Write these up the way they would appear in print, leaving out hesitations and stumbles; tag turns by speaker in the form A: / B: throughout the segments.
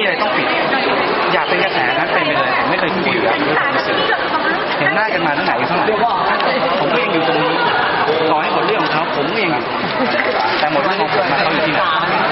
A: อะไรต้องปิดอยากเป็นกระแสนั้นเป็นไปเลยผมไม่เคยคุยกับเห็นหน้ากันมาตั้งไหนเท่าไหร่ผมก็ยังอยู่ตรงนี้ต่อให้หมดเรื่องของเขาผมก็ยังอยู่แต่หมดเรื่องของผมมาเขาอยู่ที่ไหน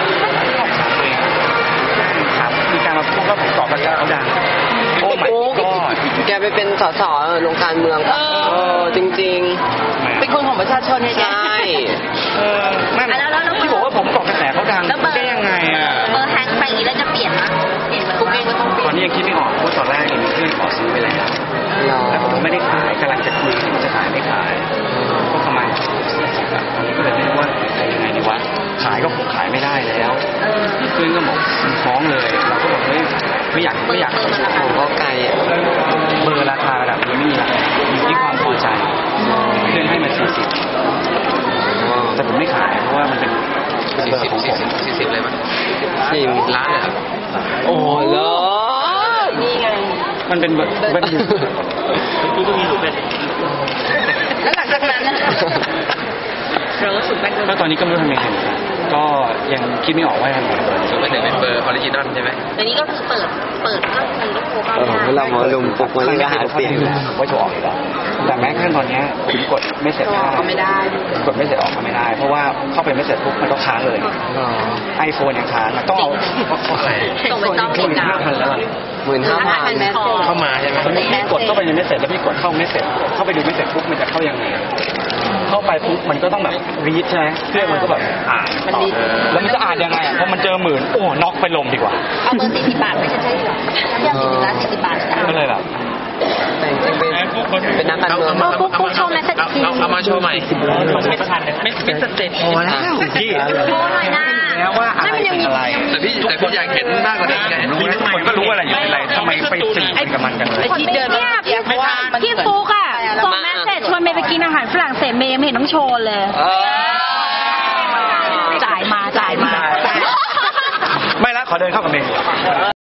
A: ครับมีการมาพูดว่าผมตอบกระแสเขาดังโอ้ไม่ก็
B: แกไปเป็นสสลงการเมืองจริงๆเป็นคนของประชาชนไงใช่
A: นั่นที่บอกว่าผมตอบกระแสเขาดังได้ยังไงอ่ะ
C: เบอร์แฮงไปอย่างนี้แล้วจะเปลี่ยนมั้ยเปลี่ยนกุ๊กเองก็ต้องเปลี่ยน
A: ตอนนี้ยังคิดไม่ออกเพราะตอนแรกมีเพื่อนขอซื้อไปแล้วแล้วผมไม่ได้ขายกำลังจะคุยจะขายไม่ขายก็ประมาณ40 บาทตอนนี้ก็เลยไม่รู้ว่าจะยังไงดีวะขายก็คงขายไม่ได้แล้วเพื่อนก็บอกฟ้องเลยเราก็บอกไม่อยาก
B: ผมก็ไกล
A: เบอร์ราคาระดับนี้ไม่มีราคาอยู่ที่ความพอใจเพื่อนให้มา40แต่ผมไม่ขายเพราะว่ามันเป็นเบอร์ของผม
D: 40เลยมั้ย40 ล้านเลยครับ
B: โอ้โหนี่ไง
A: มันเป็นเว็บอยู่กูก็มีอยู่เป็น
C: แล้วหลังจากนั้น
A: ก็ตอนนี้ก็ไม่รู้ทำยังไงก็ยังคิดไม่ออกว่าทำยังไง
D: ส่วนไปถึงเป็นเบอร์ออริจินอลใช่ไหม
C: อันนี้ก็คือเปิดก็คือลูกโป่ง
B: เรามาลุมปุกมาเรื่องหาเสียง
A: ว่าจะออกอยู่แล้วแต่แม้ขั้นตอนนี้ผมกดไม่เสร็จ
C: ก็ไม่ได้
A: กดไม่เสร็จออกก็ไม่ได้เพราะว่าเข้าไปไม่เสร็จปุ๊บมันก็ค้างเลยiPhone ยังค้างต้องเอา
C: ส่งไปต้องติดตาม
A: แล้ว
B: 15,000
A: เข้ามาใช่ไหมพี่กดเข้าไปยังไม่เสร็จแล้วพี่กดเข้าไม่เสร็จเข้าไปดูไม่เสร็จปุ๊บมันจะเข้ายังไงเข้าไปปุ๊บมันก็ต้องแบบรีดใช่ไหมเครื่องมันก็แบบอ่านแล้วมันจะอ่านยังไงเพราะมันเจอ10,000โอ้น็อกไปลมดีกว่า
C: เอาเบอร์40 บาทไม่ใช่เหรอเรื่อง40 ล้าน40 บาท
A: ก็เลยแบบ
B: แต่จริงเป็นนักการเมือง
C: กุ๊กโชว์แมสเซจ
D: เอามาโชว์ใหม่
A: ไม่ทันไม่สเต็ปพอแล้วพี่
C: โชว์หน่อยนะ
A: แล้วว่าอะไรเป็นอะไร
D: แต่พี่อยากเห็นมากกว่านี้ไง
A: ทุกคนก็รู้อะไรอยู่อะไรทำไมไปสื่อกับมันกันเลย
C: ที่เดินพี่ฟุกอ่ะส่งแมสเซจชวนเมย์ไปกินอาหารฝรั่งเศสเมย์ไม่เห็นต้องโชว์เลยจ่ายมา
A: ไม่ละขอเดินเข้ากับเมย์